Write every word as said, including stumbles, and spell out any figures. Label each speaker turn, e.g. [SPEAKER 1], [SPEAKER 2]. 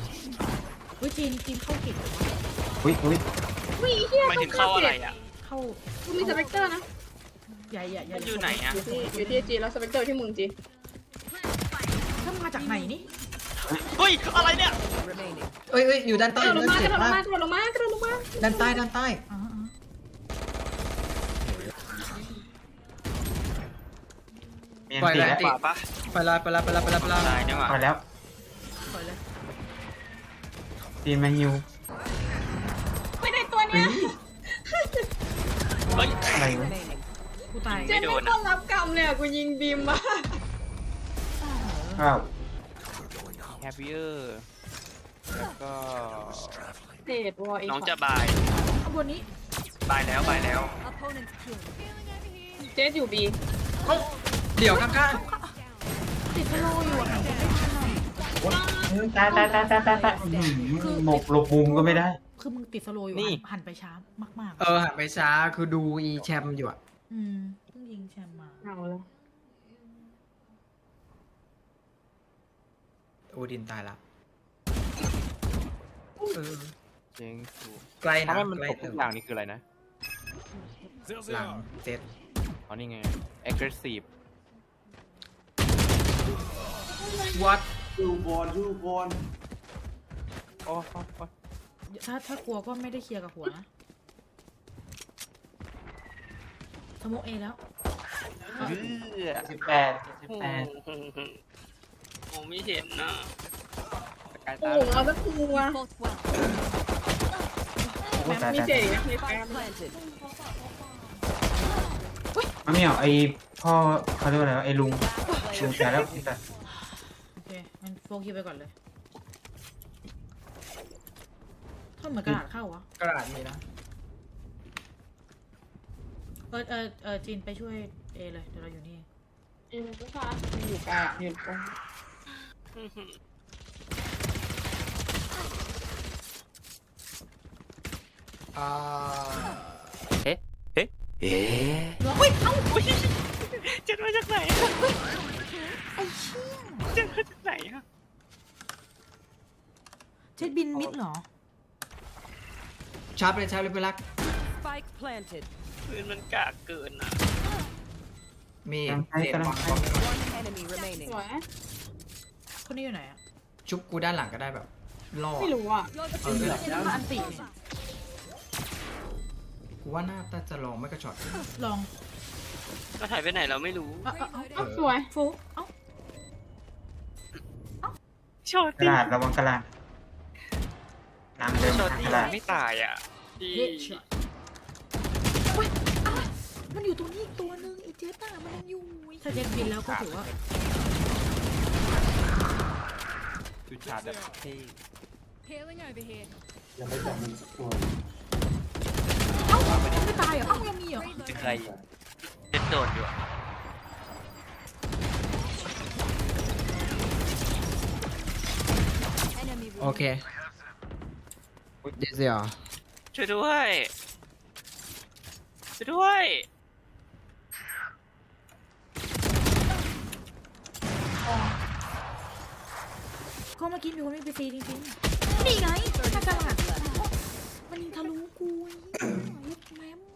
[SPEAKER 1] อุ้ยจีนจีนเข้าเก่งวะ
[SPEAKER 2] อุ้ยอุ้ย
[SPEAKER 3] อุ้ยเฮีย
[SPEAKER 4] หมายถึงเข้าอะไรอ่ะ
[SPEAKER 1] เข้า
[SPEAKER 3] กูมีสเปกเตอร์นะ
[SPEAKER 1] ใหญ่ใหญ่ใหญ่
[SPEAKER 4] มันอยู่ไหนอ่ะ
[SPEAKER 3] อยู่ที่อยู่ที่จีแล้วสเปกเตอร์ที่มึงจี
[SPEAKER 1] ถ้ามาจากไหนนี่
[SPEAKER 4] เฮ้ยอะไรเนี่ย
[SPEAKER 5] เอ้ยเอ้ยอยู่ด้าน
[SPEAKER 3] ก
[SPEAKER 5] ใต้
[SPEAKER 3] ระโดดลงมาก
[SPEAKER 5] เจ็
[SPEAKER 3] ระ
[SPEAKER 5] บ
[SPEAKER 3] โดดลง
[SPEAKER 5] มาม
[SPEAKER 3] าก กระโดดลงมากระโดดลงมา
[SPEAKER 5] ด้านใต้ด้านใต้
[SPEAKER 1] อ๋ออ๋อ
[SPEAKER 2] มีอันตีแล้ว
[SPEAKER 4] ขวาปะ
[SPEAKER 5] ไปละไปละไปละไปละไปละ
[SPEAKER 4] ตายเนี่ยว่ะ
[SPEAKER 2] พอแล้ว
[SPEAKER 1] ปล่อยเลย
[SPEAKER 2] ตีนมาฮิว
[SPEAKER 3] ไม่ได้ตัวเนี้ย
[SPEAKER 4] เฮ้ย
[SPEAKER 2] อะไรวะ
[SPEAKER 1] กูตาย
[SPEAKER 3] เจนไม่ต้องรับกรรมเลยอ่ะกูยิงบีมมา
[SPEAKER 2] อ้าว
[SPEAKER 4] แฮปปี้เออร์แล้วก็
[SPEAKER 3] เศษวอเอง
[SPEAKER 4] น้องจะบาย
[SPEAKER 1] ข้างบนนี้
[SPEAKER 4] บายแล้วบายแล้ว
[SPEAKER 3] เจสอยู่บี
[SPEAKER 5] เดี๋ยวข้าง
[SPEAKER 1] ติดสโลว์อยู่อ่ะ
[SPEAKER 2] ตายตายตายตายตายตายอื้อหือหมกหลบมุมก็ไม่ได้
[SPEAKER 1] คือมึงติดสโลว์อยู่
[SPEAKER 4] นี่
[SPEAKER 1] หันหันไปช้ามาก
[SPEAKER 5] ๆเออหันไปช้าคือดูอีแชมป์อยู่อะ
[SPEAKER 1] ๆอืมเพิ่งยิงแชมป์มา
[SPEAKER 3] เอาแล้ว
[SPEAKER 5] โอดินตายละเออ
[SPEAKER 4] เจ๊งถูก
[SPEAKER 5] ใกล้นะ
[SPEAKER 4] ถ้ามัน
[SPEAKER 5] ใกล้
[SPEAKER 4] ตกทุกอย่างนี่คืออะไรนะ
[SPEAKER 5] หลังเจ็ด
[SPEAKER 4] อ๋อนี่ไง aggressive
[SPEAKER 5] วัด
[SPEAKER 6] ดูบอลดูบอล
[SPEAKER 4] โอ้โห
[SPEAKER 1] ถ้าถ้ากลัวก็ไม่ได้เคลียร์กับหัวนะสโมกเอแล้ว
[SPEAKER 4] เฮ้ย
[SPEAKER 2] สิบแปดสิบแปด
[SPEAKER 4] โอ้ไม่เห็นนะกาย
[SPEAKER 3] โอ้
[SPEAKER 4] ตา
[SPEAKER 3] โหเอาสักตัว
[SPEAKER 2] โอ้ตาย
[SPEAKER 3] มี
[SPEAKER 2] ตาย
[SPEAKER 3] เศษอีกนะมีแฟน
[SPEAKER 2] มะเหมี่ยวไอพ่อเขาเรียกว่าอะไรวะไอลุงลุงตายแล้วตาย
[SPEAKER 1] โอเคงั้นโฟกัสไปก่อนเลยถ้าเหมือนกระดาษเข้าวะ
[SPEAKER 5] กระดาษมีนะ
[SPEAKER 1] เออเออเออจีนไปช่วยเอเลยเดี๋ยวเราอยู่นี่
[SPEAKER 3] เอ็มก็ค่ะอยู่กลางอยู่ตรง
[SPEAKER 5] อ่า
[SPEAKER 4] เอ๊ะเอ๊ะเอ๊ะ
[SPEAKER 1] อุ้ยเอ้า
[SPEAKER 4] อุ้ยเจ็ดมาจากไหน
[SPEAKER 1] ไอ้เชี่ย
[SPEAKER 4] เจ็ดมาจากไหนอะ
[SPEAKER 1] เช็ดบินมิดเหรอ
[SPEAKER 5] ชาร์ปเลยชาร์ปเลยไปรัก
[SPEAKER 7] Spike planted.
[SPEAKER 4] ปืนมันกากเกินอ่ะ
[SPEAKER 5] มี
[SPEAKER 2] กำลังไป
[SPEAKER 5] เสียง
[SPEAKER 2] กำลัง
[SPEAKER 5] วาง
[SPEAKER 2] ไป
[SPEAKER 7] One enemy remaining.
[SPEAKER 3] สวย
[SPEAKER 1] คนนี้อยู่ไหนอ่ะ
[SPEAKER 5] ชุบกูด้านหลังก็ได้แบบล่อ
[SPEAKER 3] ไม่รู้อ่ะ
[SPEAKER 5] เออ
[SPEAKER 1] เช็ดมาอันตีเนี่ย
[SPEAKER 5] กูว่าน่าจะลองไม่กระช็อต
[SPEAKER 1] ลอง
[SPEAKER 4] ก็ถ่ายไปไหนเราไม่รู้
[SPEAKER 1] เอ้าเอ้าเอ้า
[SPEAKER 3] อ้าวสวย
[SPEAKER 1] โฟกเอ้า
[SPEAKER 4] โชว์
[SPEAKER 2] กระดาษระวังกระดาษน้ำเดิน
[SPEAKER 4] โชว์
[SPEAKER 2] ทาง
[SPEAKER 4] ตี
[SPEAKER 2] กระดาษ
[SPEAKER 4] ไม่ตายอ่ะที่
[SPEAKER 1] เฮดช็อตอุ้ยอะไรมันอยู่ตรงนี้อีกตัวนึงไอ้เจ๊ต้ามันยังอยู่ถ้าเจ็ดบินแล้วก็ถือว่า
[SPEAKER 4] จุดชาร์จแบบเท่
[SPEAKER 7] Healing over here.
[SPEAKER 6] ยังไม่จับมันสักตัว
[SPEAKER 1] เอ้ายังไม่ตายเหรอเอ้ายังมีเหรอ
[SPEAKER 4] เป็นใครเป็นโดดอยู่อะ
[SPEAKER 7] Enemy
[SPEAKER 5] โอเคเดี๋ยวเสีย
[SPEAKER 4] ช่วยด้วยช่วยด้วย
[SPEAKER 1] ก็เมื่อกี้มีคนไม่ไปซีจริงๆนี่ไงถ้ากระดาษมันยิงทะลุกูไอ้เหี้ยยึดแม่ม